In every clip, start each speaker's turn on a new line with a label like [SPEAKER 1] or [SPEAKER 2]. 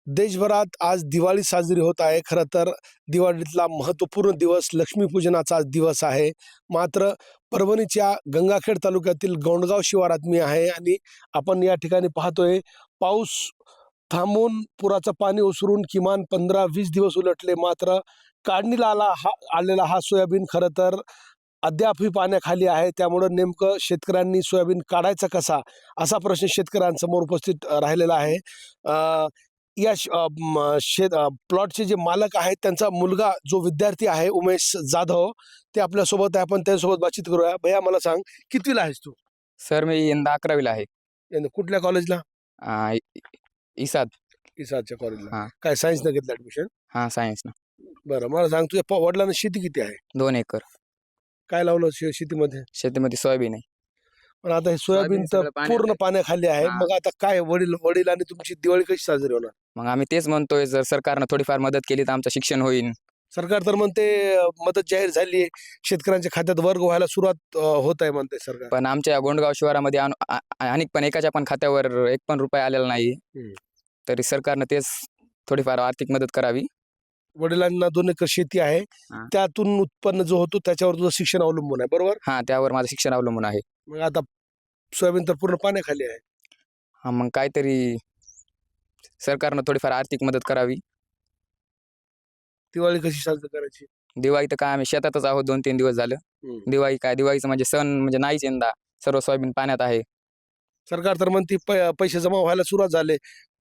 [SPEAKER 1] देशभरात आज दिवाळी साजरी होत आहे. खरं तर दिवाळीतला महत्त्वपूर्ण दिवस लक्ष्मीपूजनाचा आज दिवस आहे. मात्र परभणीच्या गंगाखेड तालुक्यातील गोंडगाव शिवारात मी आहे आणि आपण या ठिकाणी पाहतोय पाऊस थांबून पुराचं पाणी ओसरून किमान 15-20 दिवस उलटले. मात्र काढणीला आलेला हा सोयाबीन खरं तर अद्यापही पाण्याखाली आहे. त्यामुळं नेमकं शेतकऱ्यांनी सोयाबीन काढायचा कसा, असा प्रश्न शेतकऱ्यांसमोर उपस्थित राहिलेला आहे. या प्लॉटचे जे मालक आहेत त्यांचा मुलगा जो विद्यार्थी आहे उमेश जाधव, ते आपल्यासोबत आहे. आपण त्याच्यासोबत बातचीत करूया. भैया मला सांग, कितवीला आहेस तू?
[SPEAKER 2] सर मी यंदा 11वीला आहे.
[SPEAKER 1] कुठल्या कॉलेजला?
[SPEAKER 2] आ, इ- इसाद.
[SPEAKER 1] इसाच्या कॉलेजला.
[SPEAKER 2] हा
[SPEAKER 1] काय सायन्सनं घेतलं ऍडमिशन?
[SPEAKER 2] हा सायन्स ना.
[SPEAKER 1] बरं, मला सांग, तुझ्या वडिलांना शेती किती आहे?
[SPEAKER 2] 2 एकर
[SPEAKER 1] काय लावलं शेतीमध्ये?
[SPEAKER 2] शेतीमध्ये सोयाबीन आहे.
[SPEAKER 1] पण आता हे सोयाबीन तर
[SPEAKER 2] सगळं पाण्यात
[SPEAKER 1] पूर्ण
[SPEAKER 2] आहे.
[SPEAKER 1] पाण्याखाली आहे.
[SPEAKER 2] हा.
[SPEAKER 1] मग आता काय वडिलांनी तुमची दिवाळी कशी साजरी होणार?
[SPEAKER 2] मग आम्ही तेच म्हणतोय, जर सरकारनं थोडीफार मदत केली तर आमचं शिक्षण होईल.
[SPEAKER 1] सरकार तर म्हणते मदत जाहीर झाली आहे, शेतकऱ्यांच्या खात्यात वर्ग व्हायला सुरुवात होत आहे म्हणते सरकार.
[SPEAKER 2] पण आमच्या गोंडगाव शिवारामध्ये अनेक पण एकाच्या पण खात्यावर 1 पण रुपया आलेला नाही.
[SPEAKER 1] हम्म.
[SPEAKER 2] तरी सरकारनं तेच थोडीफार आर्थिक मदत करावी.
[SPEAKER 1] वडिलांना 2 एकर शेती आहे,
[SPEAKER 2] हा.
[SPEAKER 1] त्यातून उत्पन्न जो होतो त्याच्यावर तुझं शिक्षण अवलंबून आहे, बरोबर?
[SPEAKER 2] हा, त्यावर माझं शिक्षण अवलंबून आहे.
[SPEAKER 1] मग आता सोयाबीन तर पूर्ण पाण्याखाली आहे.
[SPEAKER 2] हा, मग काहीतरी सरकारनं थोडीफार आर्थिक मदत करावी.
[SPEAKER 1] दिवाळी कशी साजरी करायची?
[SPEAKER 2] दिवाळी तर काय आम्ही शेतातच आहोत 2-3 दिवस झालं. दिवाळी काय, दिवाळीचं म्हणजे सण म्हणजे नाहीच यंदा. सर्व सोयाबीन पाण्यात आहे.
[SPEAKER 1] सरकार तर म्हणते पैसे जमा व्हायला सुरुवात झाले,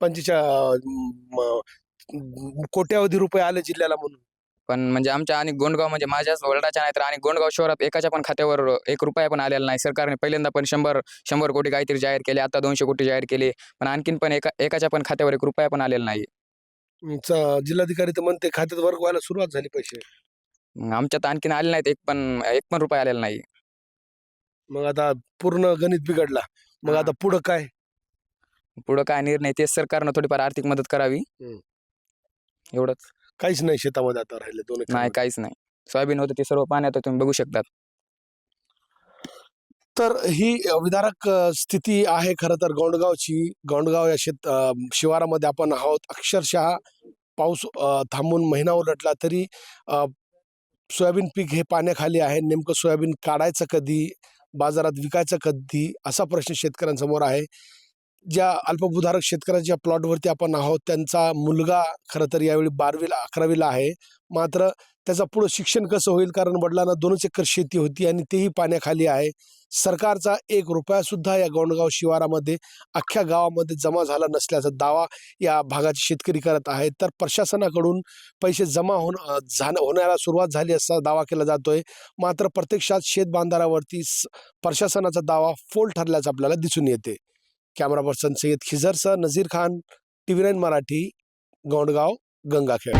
[SPEAKER 1] 45 कोट्यावधी रुपये आले जिल्ह्याला म्हणून.
[SPEAKER 2] पण म्हणजे आमच्या आणि गोंडगाव म्हणजे माझ्याच वडिलांच्या नाही तर आणि गोंडगाव शहरात एकाच्या पण खात्यावर 1 रुपया पण आलेला नाही. सरकारने पहिल्यांदा पण 100 कोटी काहीतरी जाहीर केले, आता 200 कोटी जाहीर केले, पण आणखीन पण एकाच्या पण खात्यावर 1 रुपया पण आलेला नाही.
[SPEAKER 1] जिल्हाधिकारी तर म्हणते खात्यात वर्ग व्हायला सुरुवात झाली पैसे.
[SPEAKER 2] मग आमच्यात आणखीन आले नाहीत, एक पण रुपया आलेला नाही.
[SPEAKER 1] मग आता पूर्ण गणित बिघडला. मग
[SPEAKER 2] हा.
[SPEAKER 1] आता पुढं काय?
[SPEAKER 2] पुढं काय निर्णय तेच सरकारनं थोडीफार आर्थिक मदत करावी. एवढंच.
[SPEAKER 1] काहीच नाही शेतामध्ये आता राहिले 2 एकर.
[SPEAKER 2] नाही, काहीच नाही. सोयाबीन होतं ते सर्व पाण्यात आहे, तुम्ही बघू शकतात.
[SPEAKER 1] तर ही विदारक स्थिती आहे खरं तर गोंडगावची. गोंडगाव या शिवारामध्ये आपण आहोत. अक्षरशः पाऊस थांबून महिना उलटला तरी सोयाबीन पीक हे पाण्याखाली आहे. नेमकं सोयाबीन काढायचं कधी, बाजारात विकायचं कधी, असा प्रश्न शेतकऱ्यांसमोर आहे. ज्या अल्पभूधारक शेतकऱ्याच्या प्लॉटवरती आपण आहोत, त्यांचा मुलगा खरं तर यावेळी 12वी-11वीला आहे. मात्र त्याचं पुढं शिक्षण कसं होईल, कारण वडिलांना 2च एकर शेती होती आणि तेही पाण्याखाली आहे. सरकारचा 1 रुपया सुद्धा या गोंडगाव शिवारामध्ये अख्ख्या गावामध्ये जमा झाला नसल्याचा दावा या भागाचे शेतकरी करत आहेत. तर प्रशासनाकडून पैसे जमा होण्याला सुरुवात झाली असा दावा केला जातोय. मात्र प्रत्यक्षात शेत बांधाऱ्यावरती प्रशासनाचा दावा फोल ठरल्याचं आपल्याला दिसून येते. कॅमेरा पर्सन सय्यद खिजरसह नजीर खान, TV9 मराठी, गोंडगाव, गंगाखेड.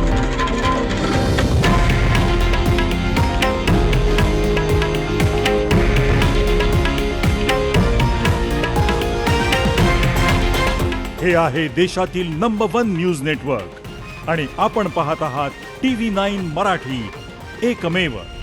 [SPEAKER 3] हे आहे देशातील नंबर 1 न्यूज नेटवर्क आणि आपण पाहत आहात TV9 मराठी, एकमेव.